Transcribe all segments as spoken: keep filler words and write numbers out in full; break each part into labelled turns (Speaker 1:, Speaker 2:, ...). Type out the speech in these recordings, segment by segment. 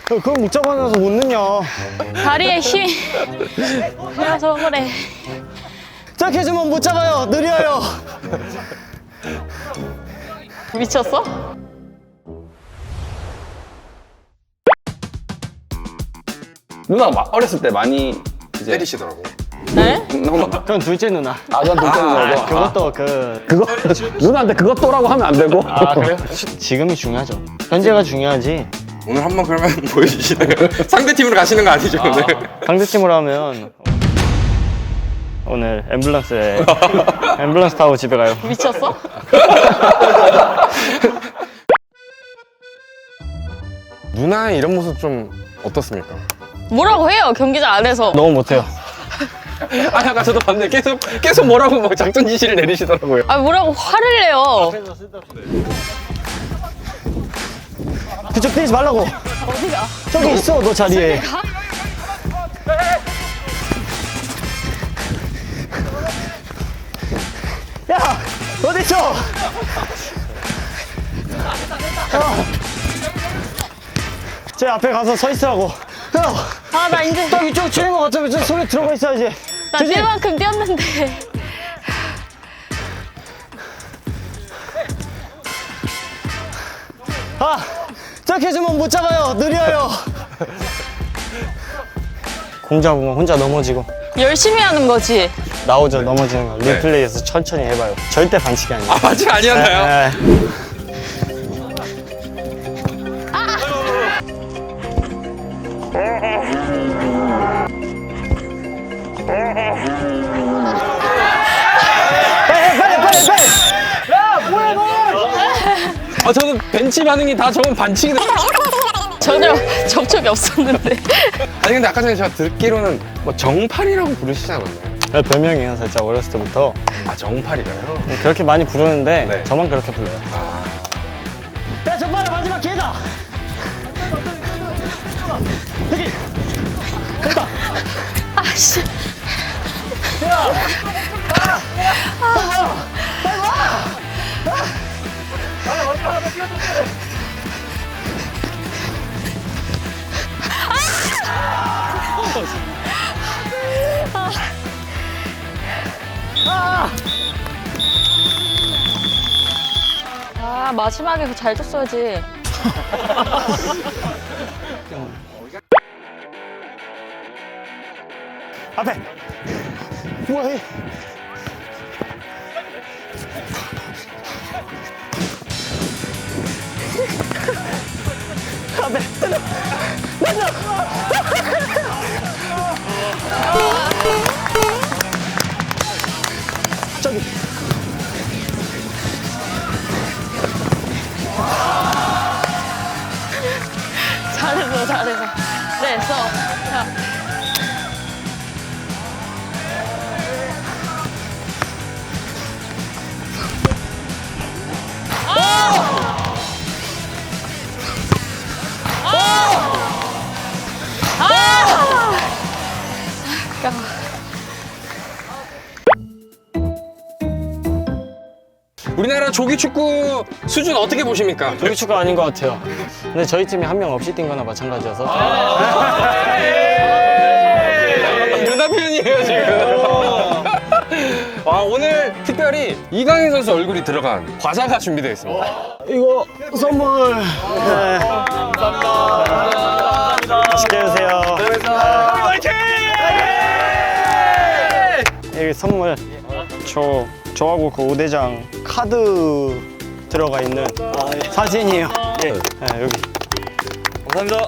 Speaker 1: 그걸 못 잡아놔서 못 넣냐.
Speaker 2: 다리에 힘이 그래서 그래.
Speaker 1: 저렇게 해주면 못 잡아요. 느려요.
Speaker 2: 미쳤어?
Speaker 3: 누나 막 어렸을 때 많이 이제
Speaker 4: 때리시더라고.
Speaker 2: 네?
Speaker 1: 그건 둘째 누나.
Speaker 3: 아, 전 둘째 누나고.
Speaker 1: 그것도 그
Speaker 3: 그거 누나한테 그것도라고 하면 안 되고.
Speaker 1: 아, 그래요? 지금이 중요하죠. 현재가 중요하지.
Speaker 4: 오늘 한번 그러면 보여주시나요? 상대 팀으로 가시는 거 아니죠 오늘?
Speaker 1: 상대팀으로 하면 오늘 앰뷸런스에 앰뷸런스 타고 집에 가요.
Speaker 2: 미쳤어?
Speaker 4: 누나의 이런 모습 좀 어떻습니까?
Speaker 2: 뭐라고 해요 경기장 안에서.
Speaker 1: 너무 못해요.
Speaker 4: 아 아까 저도 봤는데 계속 계속 뭐라고 막 작전 지시를 내리시더라고요.
Speaker 2: 아 뭐라고 화를 내요.
Speaker 1: 그쪽 뛰지 말라고.
Speaker 2: 어디가?
Speaker 1: 저기 있어, 너 자리에.
Speaker 2: 가?
Speaker 1: 야, 어디 있어? 어. 제 앞에 가서 서 있으라고. 형,
Speaker 2: 아 나 이제
Speaker 1: 딱 이쪽 치는 것 같으면 저 소리 들어가 있어야지.
Speaker 2: 나
Speaker 1: 조심.
Speaker 2: 뛸 만큼 뛰었는데.
Speaker 1: 아, 저렇게 해주면 못 잡아요. 느려요. 공 잡으면 혼자 넘어지고.
Speaker 2: 열심히 하는 거지.
Speaker 1: 나오죠, 넘어지는 거. 리플레이에서 천천히 해봐요. 절대 반칙이 아니에요.
Speaker 4: 아 아직 아니었나요?
Speaker 1: 네. 빨리, 빨리, 빨리, 빨리.
Speaker 4: 아 저는 벤치 반응이 다 저건 반칙이 돼.
Speaker 2: 전혀 접촉이 없었는데.
Speaker 4: 아니 근데 아까 전에 제가 듣기로는 뭐 정팔이라고 부르시지 않았나요?
Speaker 1: 네, 별명이에요, 살짝 어렸을 때부터.
Speaker 4: 아 정팔이가요?
Speaker 1: 그렇게 많이 부르는데
Speaker 4: 네.
Speaker 1: 저만 그렇게 불러요.
Speaker 4: 아
Speaker 1: 야, 정말 마지막 기회다. 여기. 됐다.
Speaker 2: 아씨. 아 마지막에 그거 잘 줬어야지.
Speaker 1: 앞에. 뭐해? 앞에. 저기.
Speaker 2: 잘했어 잘했어. 네 써. 자.
Speaker 4: 우리나라 조기 축구 수준 어떻게 보십니까?
Speaker 1: 조기 축구 아닌 것 같아요. 근데 저희 팀이 한 명 없이 뛴 거나 마찬가지여서.
Speaker 4: 누나 표현이에요 지금. 아 오늘 특별히 이강인 선수 얼굴이 들어간 과자가 준비되어 있습니다.
Speaker 1: 이거 선물. 네. 감사합니다. 맛있게 드세요. 여기 선물. 저 저하고 그 오대장 카드 들어가 있는 사진이에요. 네, 여기. 감사합니다.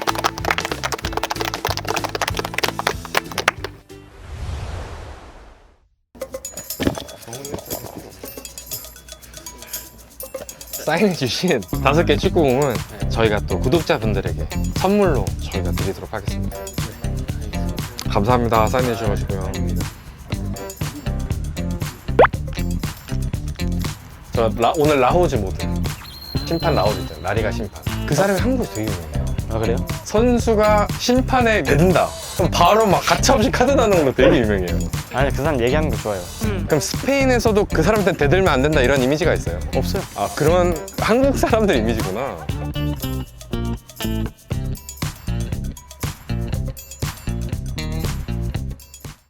Speaker 4: 사인해주신 다섯 개 축구공은 저희가 또 구독자분들에게 선물로 저희가 드리도록 하겠습니다. 감사합니다. 사인해주셔가지고요. 저 라, 오늘 라호즈 모드 심판 라호즈 있잖아요. 라리가 심판. 그 사람이 한국에서 되게 유명해요.
Speaker 1: 아, 그래요?
Speaker 4: 선수가 심판에 낸다. 그럼 바로 막 가차없이 카드 나는 걸로 되게 유명해요.
Speaker 1: 아니, 그 사람 얘기하는 거 좋아요.
Speaker 4: 그럼 스페인에서도 그 사람한테 대들면 안 된다 이런 이미지가 있어요?
Speaker 1: 없어요.
Speaker 4: 아 그런 한국 사람들 이미지구나.